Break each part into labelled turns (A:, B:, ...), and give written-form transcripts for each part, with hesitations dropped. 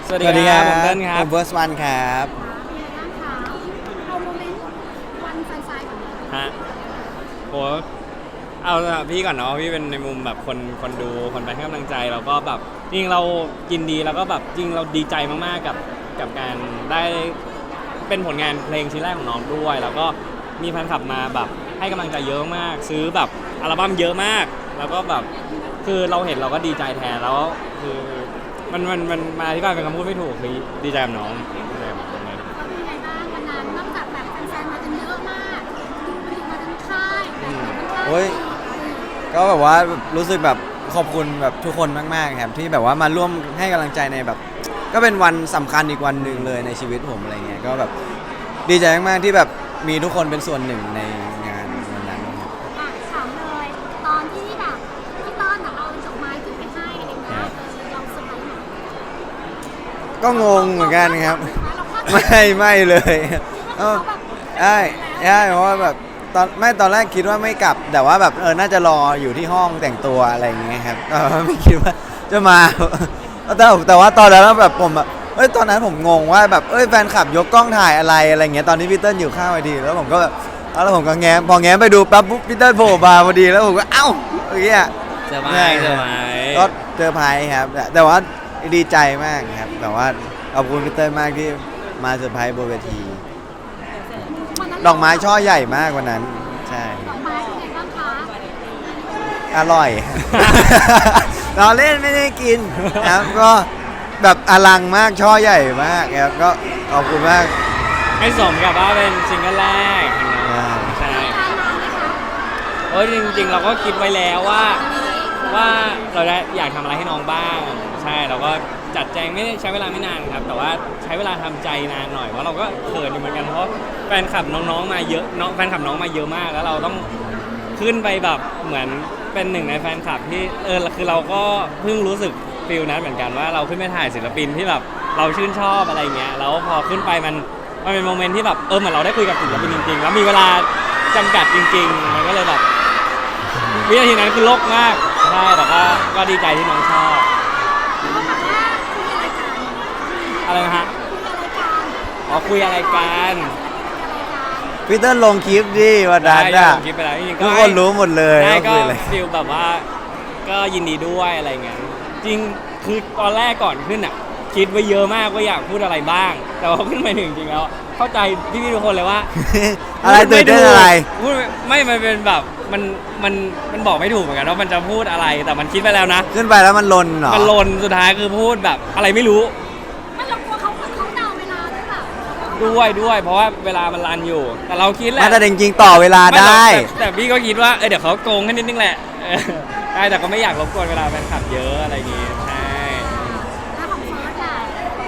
A: สวัสดีครับผมเติ้ลครั
B: ผ
A: บ
B: มเบิร์สวันครับ
C: เป็นไงบ้างคะเอาโมเมนต์วันไฟๆก่อนเลย
A: ฮะโหเอาละพี่ก่อนเนาะพี่เป็นในมุมแบบคนดูคนไปให้กำลังใจแล้วก็แบบจริงเรายินดีแล้วก็แบบจริงเราดีใจมากๆกับการได้เป็นผลงานเพลงชิ้นแรกของน้องด้วยแล้วก็มีแฟนคลับมาแบบให้กำลังใจเยอะมากซื้อแบบอัลบั้มเยอะมากแล้วก็แบบคือเราเห็นเราก็ดีใจแทนแล้วคือมันมาอธิบายเป็นคำพูดไม่ถูกคือดีใจกับน้องดีใจกับน้องเลย
C: ก็เป็นไงบ้างวันนั้นนอกจากแบบแฟนๆมากันเยอะมากดูมาทั้งค่ายทั้งค่าย
B: โอ้ยก็แบบว่ารู้สึกแบบขอบคุณแบบทุกคนมากๆครับที่แบบว่ามาร่วมให้กำลังใจในแบบก็เป็นวันสำคัญอีกวันหนึ่งเลยในชีวิตผมอะไรเงี้ยก็แบบดีใจมากๆที่แบบมีทุกคนเป็นส่วนหนึ่งในงานวันนั้นครับ
C: อ่ะถามเลยตอนที่แบบพี่ต้อนอะเอาดอกไม้ขึ้นไปให้อะไรเงี้ยเราเซอร์ไพรส์ไหม
B: ก็งงเหมือนกันครับ
C: เราคาดหวัง
B: ไม่เลย
C: เขาแบบ
B: ใช่ใช่เพราะว่าแบบตอนแรกคิดว่าไม่กลับแต่ว่าแบบน่าจะรออยู่ที่ห้องแต่งตัวอะไรอย่างเงี้ยครับไม่คิดว่าจะมาแต่ว่าตอนนั้นแบบผมแบบตอนนั้นผมงงว่าแบบแฟนคลับยกกล้องถ่ายอะไรเงี้ยตอนนี้พี่เติ้ลอยู่ข้างเวทีแล้วผมก็แบบแล้วผมก็แง้มพอแง้มไปดูปั๊บปุ๊บพี่เติ้ลโผล่มาพอดีแล้วผมก็เอ้าอย่างเงี้ย
A: เซอร์ไพรส์เซอร์ไพรส์
B: ก็เจอไพรส์ครับแต่ว่าดีใจมากครับแต่ว่าขอบคุณพี่เติ้ลมากที่มาเซอร์ไพรส์บนเวที
C: วันนั้น
B: ดอกไม้ช่อใหญ่มากวันนั้นใช่
C: ดอกไม้เป็นไงบ้างคะ
B: อร่อย เราเล่นไม่ได้กินครับก็แบบอลังมากช่อใหญ่มากครับก็ขอบคุณมาก
A: ให้สมกับว่าเป็นซิงเกิลแรกของน้องใช่
C: ทานนานไหมคะ
A: จริงๆเราก็คิดไว้แล้วว่าเราได้อยากทำอะไรให้น้องบ้างใช่เราก็จัดแจงไม่ได้ใช้เวลาไม่นานครับแต่ว่าใช้เวลาทำใจนานหน่อยเพราะเราก็เขินอยู่เหมือนกันเพราะแฟนคลับน้องๆมาเยอะแฟนคลับน้องมาเยอะมากแล้วเราต้องขึ้นไปแบบเหมือนเป็นหนึ่งในแฟนคลับที่คือเราก็เพิ่งรู้สึกฟิลนั้นเหมือนกันว่าเราขึ้นไปถ่ายศิลปินที่แบบเราชื่นชอบอะไรเงี้ยแล้วพอขึ้นไปมันเป็นโมเมนต์ที่แบบเหมือนเราได้คุยกับศิลปินจริงๆแล้วมีเวลาจำกัดจริงๆมันก็เลยแบบวินาทีนั้นคือโลกมากใช่แต่ก็ดีใจที่น้องชอบ
C: เขาบอกว่าคุยอะไรกัน
A: อะไรนะฮะ
C: คุยอะไรกัน
A: อ๋อคุยอะไรกัน
B: พี่เติ้ลลงคลิปดิวันนั้น
A: ได้
B: อ่ะ
A: ผมคิดไปแล้วจริงๆ
B: ทุกคนรู้หมดเลย
A: ได้
B: ว่า
A: ก็
B: คุยอะไร
A: ฟิลแบบว่าก็ยินดีด้วยอะไรเงี้ยจริงคือตอนแรกก่อนขึ้นอ่ะคิดไว้เยอะมากว่าอยากพูดอะไรบ้าง แต่พอขึ้นไปถึงจริงๆแล้วเข้าใจพี่ๆทุกคนเลยว่า
B: อะไรตื่นเต้นอะไร
A: พูดไม่มันเป็นแบบมันบอกไม่ถูกเหมือนกันว่ามันจะพูดอะไรแต่มันคิดไปแล้วนะ
B: ขึ้นไปแล้วมันลนเหรอ
A: มันลนสุดท้ายคือพูดแบบอะไรไม่รู้
C: ไม่เรากลัวเขาเดาเวลาด้วยเปล่า
A: ด้วยเพราะว่าเวลามันรันอยู่ แต่เราคิดแหละ
B: มาแต่จริงๆต่อเวลา
A: ไม่หรอก
B: ได้
A: แต่พี่ก็คิดว่าเดี๋ยวเขาโกงให้นิดนึงแหละใช่แต่ก็ไม่อยากรบกวนเวลาแฟนคลับเยอะอะไรอย่างงี้ใช่
C: ถ้าของเฟิร์สอะ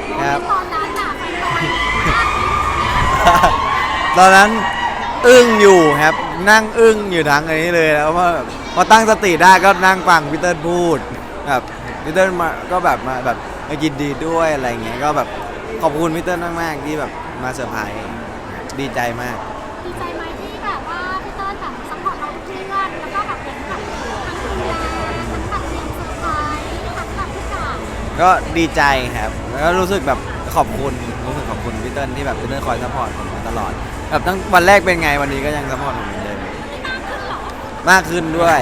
B: ครับ
C: ตอนนั้นอะแฟนบอล
B: ตอนนั้นอึ้งอยู่ครับนั่งอึ้งอยู่ทั้งอันนี้เลยแล้วพอตั้งสติได้ก็นั่งฟังพี่เติ้ลพูดแบบพี่เติ้ลมาก็แบบมาแบบมายินดีด้วยอะไรเงี้ยก็แบบขอบคุณพี่เติ้ลมากๆที่แบบมาเซอร์ไพรส์ดีใจมาก
C: ดีใจไหมที่แบบว่าพี่เติ้ลแบบซัพพอร์ตเราทุกเรื่องแล้วก็แบบเป็นแบบทั้งดูแลทั้งแบบเลี้ยงเซอร์ไพรส์ทั้งแบบทุกอย่าง
B: ก็ดีใจครับแล้วก็รู้สึกแบบขอบคุณพี่เติ้ลที่แบบพี่เติ้ลคอยซัพพอร์ตผมมาตลอดแบบตั้งวันแรกเป็นไงวันนี้ก็ยังซัพพอร์ตผมเหมือนเดิม
C: ไม่มากขึ้นหรอ
B: มากขึ้นด้วย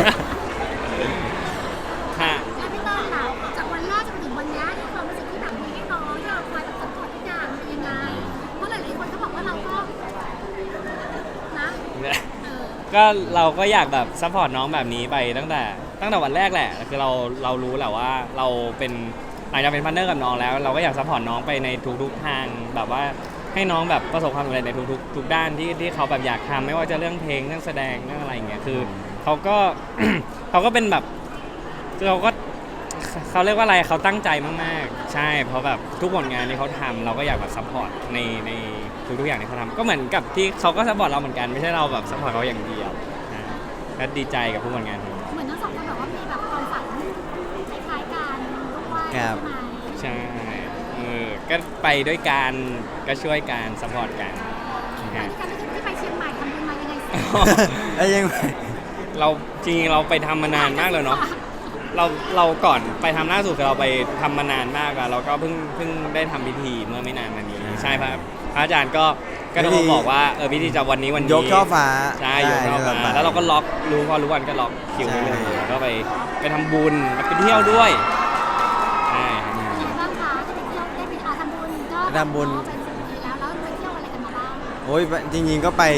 A: ค่ะ
C: แล้วพี่เติ้ลล่ะจากวันแรกจนถึงวันนี้ที่ความรู้สึกที่แบบมีให้น้องที่เราคอยแบบซัพพอร์ตทุกอย่างเป็นยังไงเพราะหลายๆคนก็บอกว่าเราก็นะ
A: ก็เราก็อยากแบบซัพพอร์ตน้องแบบนี้ไปตั้งแต่วันแรกแหละคือเรารู้แหละว่าเราเป็นหลังจากเป็นพาร์ทเนอร์กับน้องแล้ว เราก็อยากซัพพอร์ตน้องไปในทุกๆทางแบบว่าให้น้องแบบประสบความสำเร็จในทุกด้านที่เขาแบบอยากทำไม่ว่าจะเรื่องเพลงเรื่องแสดงเรื่องอะไรอย่างเงี้ยคือเขาก็ เขาก็เป็นแบบคือเขาเรียกว่าอะไรเขาตั้งใจมากๆใช่เพราะแบบทุกผลงานที่เขาทำเราก็อยากแบบซัพพอร์ตในทุกๆอย่างที่เขาทำก็เหมือนกับที่เขาก็ซัพพอร์ตเราเหมือนกันไม่ใช่เราแบบซัพพอร์ตเขาอย่างเดียวนะก็ดีใจกับทุกผลงานของเรา
C: เหมือนทั้งสองคนแบบว่ามีแบบความฝันคล้ายๆกันด้วย
B: ครับ
C: ใช่ไหม
A: ใช่ก็ไปด้วยกันก็ช่วยกันซัพพอร์ตกัน
C: ตอนที่ไปเชียงใหม่ทำบุญมายังไงสิ
B: แล้วยัง
A: เราจริงๆเราไปทำมานานมากเลยเนาะเราก่อนไปทำล่าสุดคือเราไปทำมานานมากอะเราก็เพิ่งได้ทำพิธีเมื่อไม่นานมานี้ใช่ครับพระอาจารย์ก็ต้องมาบอกว่าพิธีจะวันนี้
B: ยกช่อฟ้า
A: ใช่ยกช่อฟ้าแล้วเราก็ล็อกพอรู้วันก็ล็อกคิวไว้เลย
B: ใช่
A: แล้วก็ไปทำบุญแล้วไปเที่ยวด้วยใช่
C: เป็นไงบ้างคะจะไปเที่ยวได้ไปทำบุญก็
B: ทำบุญ
C: เป็นสิ่งดีแล้วไปเที่ยวอะไรกันมาบ้าง
B: โอ้ยจริงๆก็ไป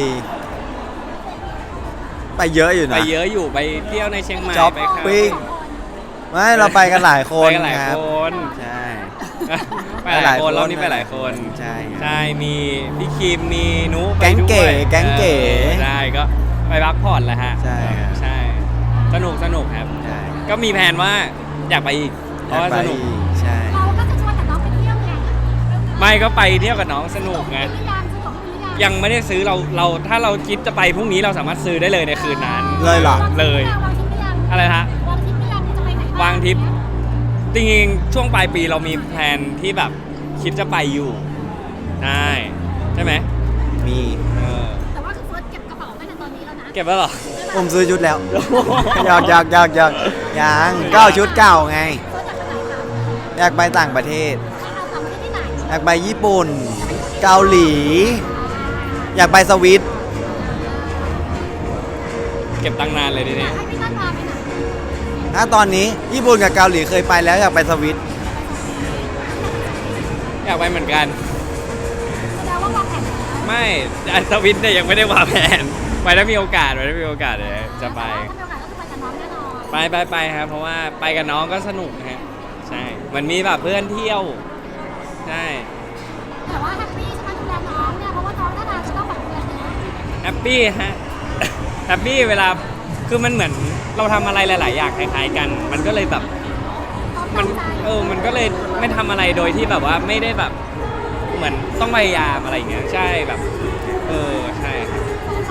B: เยอะอยู่
A: ไป
B: นะ
A: เยอะอยู่ไปเที่ยวในเชียงใหม่
B: ช้อป
A: ไปครับ
B: ปิ้ง ไม่เราไปกันหลายคน
A: ไปกันหลาย
B: ครับ
A: คน
B: ใช่
A: ไปหลายคนรอบนี้ไปหลายคน
B: ใช่ครับ
A: ใช่มีพี่คิมมีนุไป
B: แก๊งเก๋
A: ด้วย
B: แก๊งเก๋
A: ใช่ก็ไปพักผ่อนแหละฮะ
B: ใช่ครับ
A: ใช่สนุกครับ
B: ใช่
A: ก็มีแผนว่าอยากไปอีกเพราะว่า
B: ไป
A: สนุก
B: ใช่
C: เราก็จะชวนแต่น้องไปเที่ยวไง
A: ไม่ก็ไปเที่ยวกับน้องสนุกไง
C: หรือยังซื้อของหรือยัง
A: ยังไม่ได้ซื้อเราถ้าเราคิดจะไปพรุ่งนี้เราสามารถซื้อได้เลยในคืนนั้น
B: เลยเหรอ
A: เลย
C: วางทิปหรือยัง
A: อะไรฮะ
C: วางทิปหรือยังจะไปไหนบ้
A: วางทริป จริงๆช่วงปลายปีเรามีแผนที่แบบคิดจะไปอยู่ใช่ไหม
B: มี
C: แต่ว่าคือเฟิร์สเก็บกระเป๋าตั้งแต่ตอนนี้แล้วนะ
A: เก็บไว้เหรอ
B: ผมซื้อชุดแล้วหยอกยังก็เอาชุดเก่าไง
C: เฟิร์สอยากไปไหนคะ
B: อยากไปต่างประเทศ
C: เอาทำไปที่ไหน
B: อยากไปญี่ปุ่น เกาหลี อยากไปสวิต
A: เก็บตังค์นานเลยทีนี้
C: ให้พี่ตั้นพาไปไหน
B: ถ้าตอนนี้ญี่ปุ่นกับเกาหลีเคยไปแล้วอยากไปสวิต
A: อยากไปเหมือนกัน
C: แสดงว่าวางแผนแล้ว
A: ไม่อันสวิตเนี่ยยังไม่ได้วางแผนไปถ้ามีโอกาสเดี๋ยวจะไป
C: ถ้ามีโอกาสก็คือไปกับน้องแน่นอน
A: ไปครับเพราะว่าไปกับน้องก็สนุกนะฮะใช่มันมีแบบเพื่อนเที่ยวใช่
C: แต่ว่าแฮปปี้ใช่ไหมดูแลน้องเนี่ยเพราะว่าน้องน่าจะต้องแบบดูแลเยอะ
A: แฮปปี้ฮะ แฮปปี้เวลาคือมันเหมือนเราทำอะไรหลาย ๆ อย่างคล้าย ๆ กัน มันก็เลยแบบมันมันก็เลยไม่ทำอะไรโดยที่แบบว่าไม่ได้แบบเหมือนต้องพยายามอะไรอย่างเงี้ยใช่แบบใช่ครับ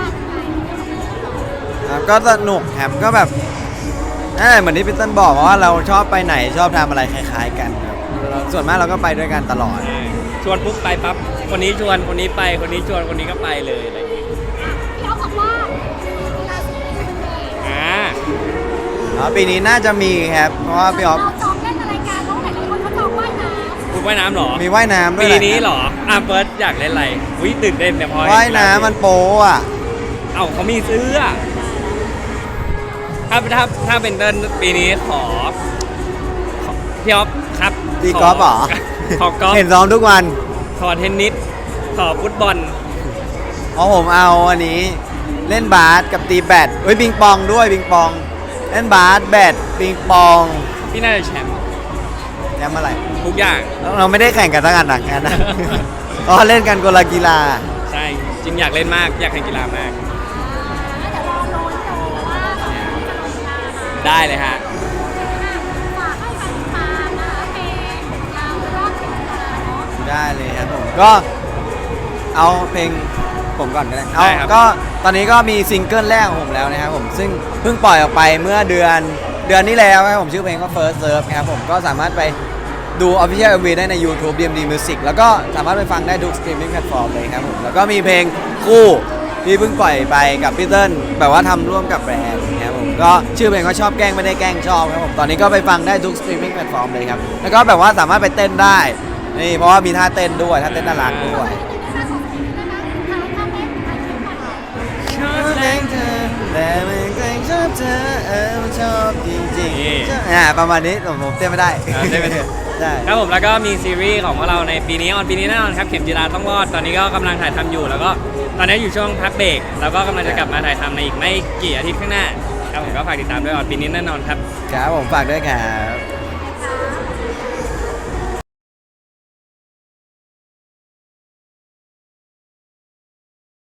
B: ครับก็สนุกครับก็แบบนั่นแหละเหมือนที่พี่เต้นบอกว่าเราชอบไปไหนชอบทำอะไรคล้าย ๆ กันครับส่วนมากเราก็ไปด้วยกันตลอด
A: ใช่ชวนปุ๊บไปปั๊บคนนี้ชวนคนนี้ไปคนนี้ชวนคนนี้ก็ไปเลยอะไรอย่างเงี้ย
C: พี่อ๊อฟบอกว่ากีฬาสีเป็นเด็ก
B: ปีนี้น่าจะมีครับ เพราะว่าพี่ออฟ
C: เราจองเล่นอะไรกันเพราะหลายๆคนเขาจองว่ายน้
A: คุณว่ายน้ำเหรอ
B: มีว่ายน้ำด้วย
A: ปี
B: แหละ
A: นี้เหรอเฟิร์สอยากเล่นอะไรวิตื่นเต้นแต่พอเห็
B: ว่ายน้ำมันโป๊อ่ะ
A: เอ้าเขามีเสื้อถ้าเป็นเต้นปีนี้ขอพี่อ๊อฟครับ
B: ตีกอล์ฟเหรอ
A: ขอกอล์ฟ
B: เห็นซ้อมทุกวัน
A: ขอเทนนิสขอฟุตบอล
B: เพราะผมเอาอันนี้เล่นบาสกับตีแบดเฮ้ยปิงปองด้วยปิงปอง เล่นบาสแบดปิงปอง
A: พี่น่าจะแชมป์
B: แชมป์อะไร
A: ทุกอย่าง
B: เราไม่ได้แข่งกันทั้งอันหนักงั้นนะ อ๋อเล่นกันคนละกีฬา
A: ใช่จริงอยากเล่นมากอยากแข่งกีฬามาก
C: ำเดี๋ยวรอลุ้นดูว่าจะลงกีฬาค่ะ
A: ได้เลยฮะ
C: ฝากให้แฟนตามนะคะเพลงเรารอดถึงเวลาเนาะ
B: ได้เลยครับผมก็เอาเพลงผมก่อนก็ได้เอา
A: ได้ครับ
B: ก็ตอนนี้ก็มีซิงเกิลแรกของผมแล้วนะครับผมซึ่งเพิ่งปล่อยออกไปเมื่อเดือนนี้แล้วครับผมชื่อเพลงว่า First Serve ครับผมก็สามารถไปดู Official MV ได้ใน YouTube DMD Music แล้วก็สามารถไปฟังได้ทุก streaming platform เลยครับผมแล้วก็มีเพลงคู่ที่เพิ่งปล่อยไปกับพี่เติ้ลแบบว่าทำร่วมกับแบรนด์ครับผมก็ชื่อเพลงก็ชอบแกล้งไม่ได้แกล้งชอบครับผมตอนนี้ก็ไปฟังได้ทุก streaming platform เลยครับแล้วก็แบบว่าสามารถไปเต้นได้นี่เพราะว่ามีท่าเต้นด้วยท่าเต้นน่ารักด้วย ชอบแรงเธอแต่ไม่เคยชอบเธอมันชอบจริง
A: นี่
B: ๆประมาณนี้ผมเต้นไม่ได้
A: เต้นไม่ได้
B: ได้
A: ครับผมแล้วก็มีซีรีส์ของพวกเราในปีนี้ปีนี้แน่นอนครับเข็มจีราต้องรอดตอนนี้ก็กำลังถ่ายทำอยู่ แล้วก็ตอนนี้อยู่ช่วงพักเบรกแล้วก็กำลังจะกลับมาถ่ายทำในอีกไม่กี่อาทิตย์ข้างหน้าครับผมก็ฝากติดตามด้วยปีนี้แน่นอนครับ
B: ครับผมฝากด้วยครับ